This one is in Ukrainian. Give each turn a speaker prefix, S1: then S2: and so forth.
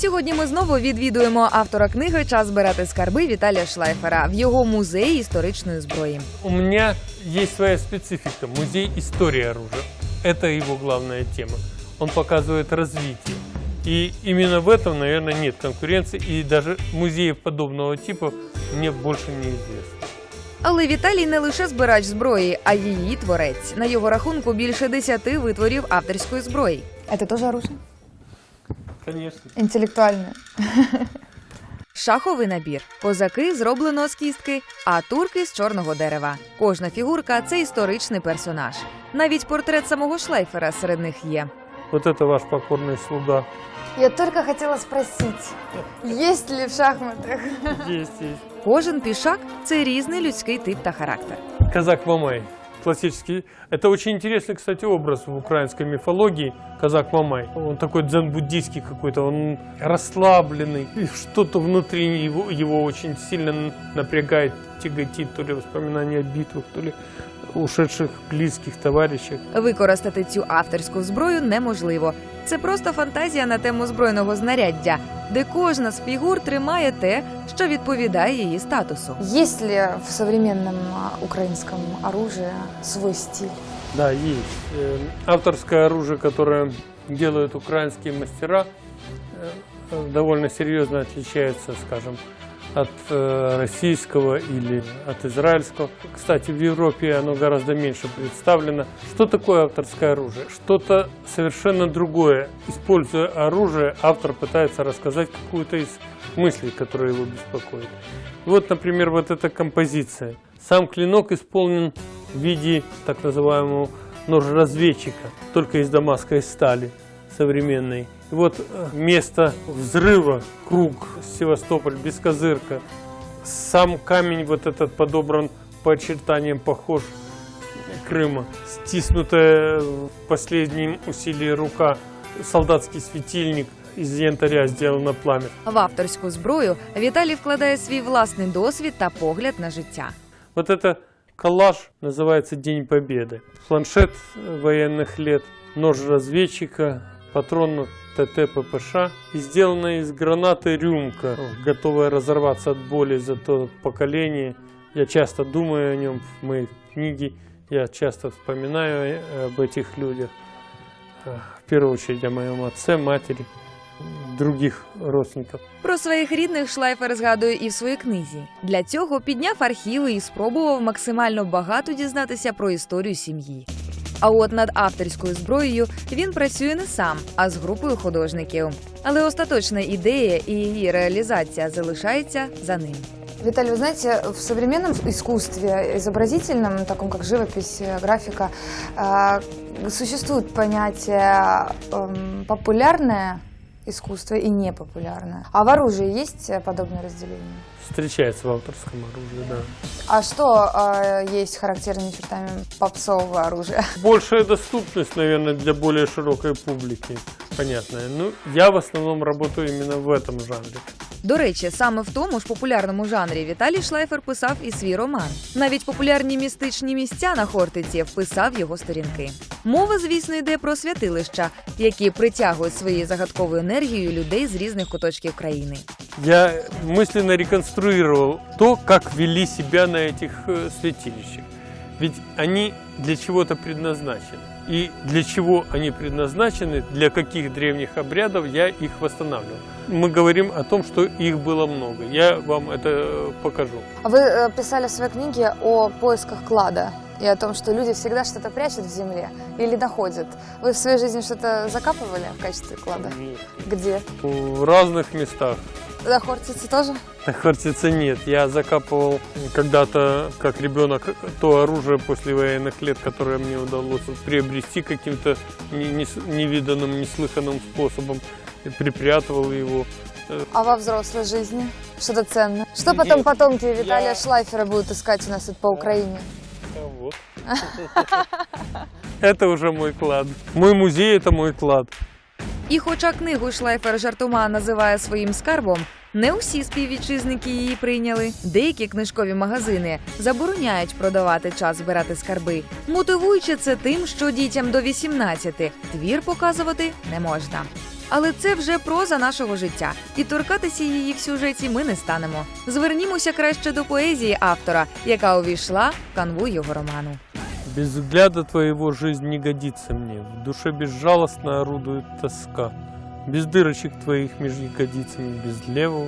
S1: Сьогодні ми знову відвідуємо автора книги «Час збирати скарби» Віталія Шлайфера в його музеї історичної зброї.
S2: У меня есть своя специфика. Музей истории оружия. Это его главная тема. Он показывает развитие. И именно в этом, наверное, нет конкуренции. И даже музеев подобного типа мне больше не известно.
S1: Але Віталій не лише збирач зброї, а її творець. На його рахунку більше 10 витворів авторської зброї.
S3: Это тоже оружие?
S2: Конечно.
S3: Интеллектуальное.
S1: Шаховий набір. Козаки зроблено з кістки, а турки з чорного дерева. Кожна фігурка – це історичний персонаж. Навіть портрет самого Шлайфера серед них є.
S2: Вот это ваш покорный слуга.
S3: Я только хотела спросить, есть ли в шахматах?
S2: Есть, есть.
S1: Кожен пішак – це різний людський тип та характер.
S2: Казак Мамай. Классический. Это очень интересный, кстати, образ в украинской мифологии. Казак Мамай. Он такой дзен-буддийский какой-то, он расслабленный. И что-то внутри его очень сильно напрягает, тяготит. То ли воспоминания о битвах, то ли ушедших близких товарищах.
S1: Використати цю авторську зброю неможливо. Це просто фантазія на тему збройного знаряддя, де кожна з фігур тримає те, що відповідає її статусу.
S3: Есть ли в современном украинском оружии свой стиль?
S2: Да, есть. Авторское оружие, которое делают украинские мастера, довольно серьезно отличается, скажем, от российского или от израильского. Кстати, в Европе оно гораздо меньше представлено. Что такое авторское оружие? Что-то совершенно другое. Используя оружие, автор пытается рассказать какую-то из мыслей, которые его беспокоят. Вот, например, вот эта композиция. Сам клинок исполнен в виде так называемого ножа-разведчика, только из дамасской стали современной. И вот место взрыва, круг, Севастополь, Бескозырка. Сам камень вот этот подобран по очертаниям, похож Крыма. Стиснутая в последнем усилии рука, солдатский светильник из янтаря сделано пламя.
S1: В авторську зброю Віталій вкладає свій власний досвід та погляд на життя.
S2: Вот это коллаж называется «День Победы». Планшет военных лет, нож разведчика, патрон ТТ ППШ. И сделана из гранаты рюмка, готовая разорваться от боли за то поколение. Я часто думаю о нем в моей книге, я часто вспоминаю об этих людях. В первую очередь о моем отце, матери, других родственників.
S1: Про своїх рідних Шлайфер згадує і в своїй книзі. Для цього підняв архіви і спробував максимально багато дізнатися про історію сім'ї. А от над авторською зброєю він працює не сам, а з групою художників. Але остаточна ідея і її реалізація залишається за ним.
S3: Виталий, вы знаете, в современном искусстве, изобразительном, таком как живопись, графика, существует понятие популярное искусство и непопулярное. А в оружии есть подобное разделение?
S2: Встречается в авторском оружии, да.
S3: А что есть характерными чертами попсового оружия?
S2: Большая доступность, наверное, для более широкой публики, понятная. Ну, я в основном работаю именно в этом жанре.
S1: До речі, саме в тому ж популярному жанрі Віталій Шлайфер писав і свій роман. Навіть популярні містичні місця на Хортиці вписав його сторінки. Мова, звісно, йде про святилища, які притягують своєю загадковою енергією людей з різних куточків країни.
S2: Я мысленно реконструировал то, как вели себя на этих святилищах. Ведь они для чего-то предназначены. И для чего они предназначены, для каких древних обрядов, я их восстанавливал. Мы говорим о том, что их было много. Я вам это покажу.
S3: Вы писали в своей книге о поисках клада и о том, что люди всегда что-то прячут в земле или находят. Вы в своей жизни что-то закапывали в качестве клада?
S2: Нет.
S3: Где?
S2: В разных местах.
S3: На Хортице тоже?
S2: На Хортице нет. Я закапывал когда-то, как ребенок, то оружие после военных лет, которое мне удалось приобрести каким-то невиданным, неслыханным способом. И припрятывал его.
S3: А во взрослой жизни? Что-то ценное? Что потом потомки Виталия Шлайфера будут искать у нас тут по Украине?
S2: Вот. Это уже мой клад. Мой музей – это мой клад.
S1: І хоча книгу Шлайфер жартома називає своїм скарбом, не усі співвітчизники її прийняли. Деякі книжкові магазини забороняють продавати час збирати скарби, мотивуючи це тим, що дітям до 18 твір показувати не можна. Але це вже проза нашого життя, і торкатися її в сюжеті ми не станемо. Звернімося краще до поезії автора, яка увійшла в канву його роману.
S2: Без взгляда твоего жизнь не годится мне, в душе безжалостно орудует тоска. Без дырочек твоих меж ягодицами, без левого